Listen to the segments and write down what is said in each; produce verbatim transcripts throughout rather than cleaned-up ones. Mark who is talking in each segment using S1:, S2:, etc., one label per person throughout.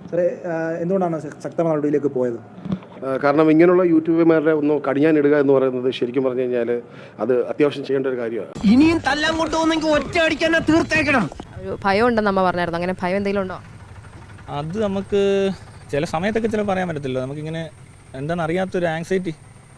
S1: എന്തുകൊണ്ടാണ് ശക്തമായ നടപടിയിലേക്ക് പോയത്?
S2: കാരണം ഇങ്ങനെയുള്ള യൂട്യൂബർമാരുടെ ഒന്ന് കടിഞ്ഞാനിടുക എന്ന് പറയുന്നത് ശരിക്കും പറഞ്ഞു കഴിഞ്ഞാൽ അത് അത്യാവശ്യം ചെയ്യേണ്ട ഒരു കാര്യമാണ്.
S3: ഇനിയും തല്ലാൻ കൊണ്ടുപോകുന്നെങ്കിൽ ഒറ്റ അടിക്കാൻ തീർത്തേക്കണം.
S4: ഒരു ഭയം ഉണ്ടെന്ന് അമ്മ പറഞ്ഞായിരുന്നു. അങ്ങനെ ഭയം എന്തെങ്കിലും ഉണ്ടോ?
S5: അത് നമുക്ക് ചില സമയത്തൊക്കെ ചില പറയാൻ പറ്റത്തില്ല. നമുക്കിങ്ങനെ എന്താണെന്ന് അറിയാത്തൊരു ആങ്സൈറ്റി.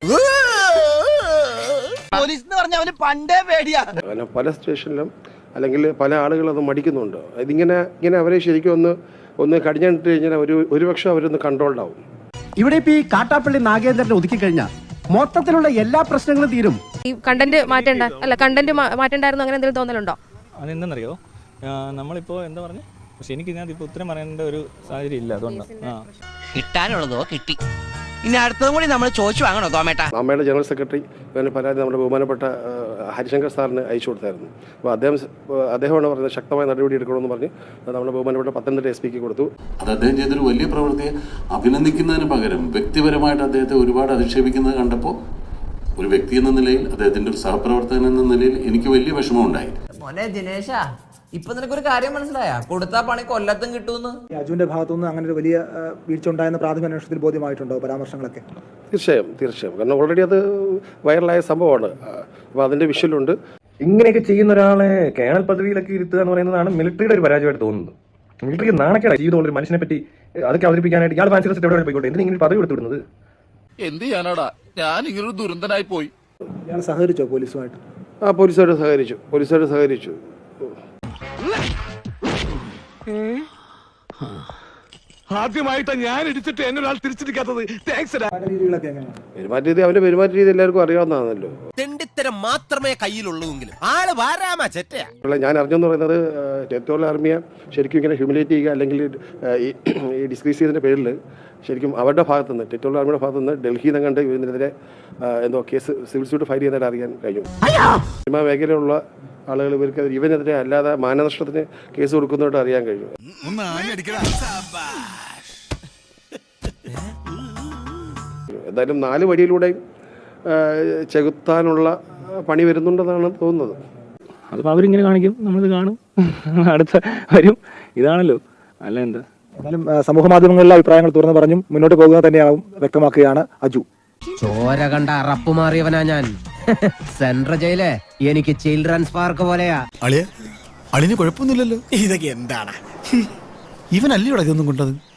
S3: പോലീസ് എന്ന് പറഞ്ഞാൽ അവന് പണ്ടേ പേടിയാ.
S2: പല സ്റ്റേഷനിലും അല്ലെങ്കിൽ പല ആളുകൾ അത് മടിക്കുന്നുണ്ട്. ഇതിങ്ങനെ ഇങ്ങനെ അവരെ ശരിക്കും ഒന്ന് ഒന്ന് കടിഞ്ഞാനിട്ട് കഴിഞ്ഞാൽ ഒരു ഒരുപക്ഷെ അവരൊന്ന് കൺട്രോൾഡ് ആവും.
S6: ഇവിടെ ഇപ്പൊ ഈ കാട്ടാപ്പള്ളി നാഗേന്ദ്രനെ ഒതുക്കി കഴിഞ്ഞാൽ മൊത്തത്തിലുള്ള എല്ലാ പ്രശ്നങ്ങളും തീരും.
S4: ഈ കണ്ടന്റ് മാറ്റേണ്ട അല്ല കണ്ടന്റ് മാറ്റേണ്ടായിരുന്നു അങ്ങനെ എന്തെങ്കിലും തോന്നലുണ്ടോ?
S5: അതെന്തെന്നറിയോ, നമ്മളിപ്പോൾ എന്താ പറഞ്ഞു, പക്ഷെ എനിക്ക് ഇതിനകത്ത് ഇപ്പോൾ ഉത്തരം പറയേണ്ട ഒരു സാഹചര്യം ഇല്ല. അതുകൊണ്ട് ആ
S3: കിട്ടാനുള്ളതോ കിട്ടി. ഇനി അടുത്തതും കൂടി നമ്മൾ ചോദിച്ചു വാങ്ങണോ തോമേട്ട?
S2: അമ്മയുടെ ജനറൽ സെക്രട്ടറി പിന്നെ പരാതി നമ്മുടെ ബഹുമാനപ്പെട്ട ഹരിശങ്കർ സാറിന് അയച്ചു കൊടുത്തായിരുന്നു. അപ്പോൾ അദ്ദേഹം അദ്ദേഹമാണ് പറയുന്നത് ശക്തമായ നടപടി എടുക്കണമെന്ന് പറഞ്ഞ് നമ്മുടെ ബഹുമാനപ്പെട്ട പത്തനംതിട്ട എസ് പിക്ക് കൊടുത്തു.
S7: അത് അദ്ദേഹം ചെയ്തൊരു വലിയ പ്രവൃത്തിയെ അഭിനന്ദിക്കുന്നതിന് പകരം വ്യക്തിപരമായിട്ട് അദ്ദേഹത്തെ ഒരുപാട് അധിക്ഷേപിക്കുന്നത് കണ്ടപ്പോൾ ഒരു വ്യക്തി എന്ന നിലയിൽ അദ്ദേഹത്തിൻ്റെ ഒരു സഹപ്രവർത്തകൻ എന്ന നിലയിൽ എനിക്ക് വലിയ വിഷമമുണ്ടായി.
S8: മോനെ ദിനേശ, ഇപ്പൊ നിനക്കൊരു കാര്യം മനസ്സിലായ? കൊടുത്താ പണി കൊല്ലത്തും കിട്ടുമെന്ന്.
S1: അജുവിന്റെ ഭാഗത്തുനിന്ന് അങ്ങനെ ഒരു വലിയ വീഴ്ച ഉണ്ടായെന്ന് പ്രാഥമിക അന്വേഷണത്തിൽ ബോധ്യമായിട്ടുണ്ടോ പരാമർശങ്ങളൊക്കെ?
S2: തീർച്ചയായും തീർച്ചയായും കാരണം ഓൾറെഡി അത് വൈറലായ സംഭവമാണ്. അപ്പോൾ അതിൻ്റെ വിഷ്വലുണ്ട്.
S9: ഇങ്ങനെയൊക്കെ ചെയ്യുന്ന ഒരാളെ കേണൽ പദവിയിലൊക്കെ ഇരുത്തുക എന്ന് പറയുന്നതാണ് മിലിറ്ററിയുടെ ഒരു പരാജയമായിട്ട് തോന്നുന്നത്. മിലിറ്ററിക്ക് നാണക്കേടാണ് ജീവിതമുള്ള ഒരു മനുഷ്യനെ പറ്റി അതൊക്കെ അവതരിപ്പിക്കാനായിട്ട് ഇയാൾ ഫാൻസി ഡ്രസ് എവിടെ പോയിക്കോട്ടെ, എന്തിനാ ഇങ്ങനെ പദവി കൊടുത്തിടുന്നത്? എന്ത് ചെയ്യാനാടാ, ഞാൻ ഇങ്ങനൊരു ദുരന്തനായി പോയി.
S1: ഇയാൾ സഹകരിച്ചോ പോലീസുമായിട്ട്?
S2: ആ പോലീസുകാർ സഹകരിച്ചു പോലീസുകാർ സഹകരിച്ചു
S6: ആദ്യമായിട്ടാ ഞാൻ ഇടിച്ചിട്ട് എന്നെ ഒരാൾ തിരിച്ചിരിക്കാത്തത്.
S2: പെരുമാറ്റ രീതി അവന്റെ പെരുമാറ്റ രീതി എല്ലാവർക്കും അറിയാവുന്നതാണല്ലോ.
S3: തെണ്ടിത്തരം മാത്രമേ കയ്യിലുള്ളൂവെങ്കിലും ആള് വാരാമാ ചെറ്റയാ.
S2: ഞാൻ അറിഞ്ഞെന്ന് പറയുന്നത് ടെറിട്ടോറിയൽ ആർമിയെ ശരിക്കും ഇങ്ങനെ ഹ്യൂമിലേറ്റ് ചെയ്യുക അല്ലെങ്കിൽ ഈ ഡിസ്ക്രീസ് ചെയ്തതിന്റെ പേരിൽ ശരിക്കും അവരുടെ ഭാഗത്തുനിന്ന് ടെറിട്ടോറിയൽ ആർമിയുടെ ഭാഗത്തുനിന്ന് ഡൽഹിയിൽ നിന്ന് കണ്ട് ഇവരിനെതിരെ എന്തോ കേസ് സിവിൽ സ്യൂട്ട് ഫയൽ ചെയ്യുന്നതായിട്ട് അറിയാൻ കഴിഞ്ഞു. സിനിമാ മേഖലയിലുള്ള ആളുകൾ ഇവർക്ക് ഇവനെതിരെ അല്ലാതെ മാനനഷ്ടത്തിന് കേസ് കൊടുക്കുന്നതായിട്ട് അറിയാൻ കഴിഞ്ഞു. എന്തായാലും നാല് വഴിയിലൂടെയും ചെകുത്താനുള്ള പണി വരുന്നുണ്ടെന്നാണ് തോന്നുന്നത്.
S5: അതിപ്പോൾ അവരിങ്ങനെ കാണിക്കും, നമ്മളിത് കാണും, അടുത്ത വരും. ഇതാണല്ലോ, അല്ല എന്താ.
S1: എന്നാലും സമൂഹ മാധ്യമങ്ങളിലെ അഭിപ്രായങ്ങൾ തുറന്നു പറഞ്ഞും മുന്നോട്ട് പോകുക തന്നെയാവും വ്യക്തമാക്കുകയാണ് അജു.
S3: ചോര കണ്ട അറപ്പ് മാറിയവനാ ഞാൻ. സെൻട്രൽ ജയിലെ എനിക്ക് ചിൽഡ്രൻസ് പാർക്ക് പോലെയാ.
S6: അളിയ അളിന് കുഴപ്പമൊന്നുമില്ലല്ലോ. ഇതൊക്കെ എന്താണ് ഇവനല്ലേ ഇവിടെ ഇതൊന്നും കൊണ്ടത്?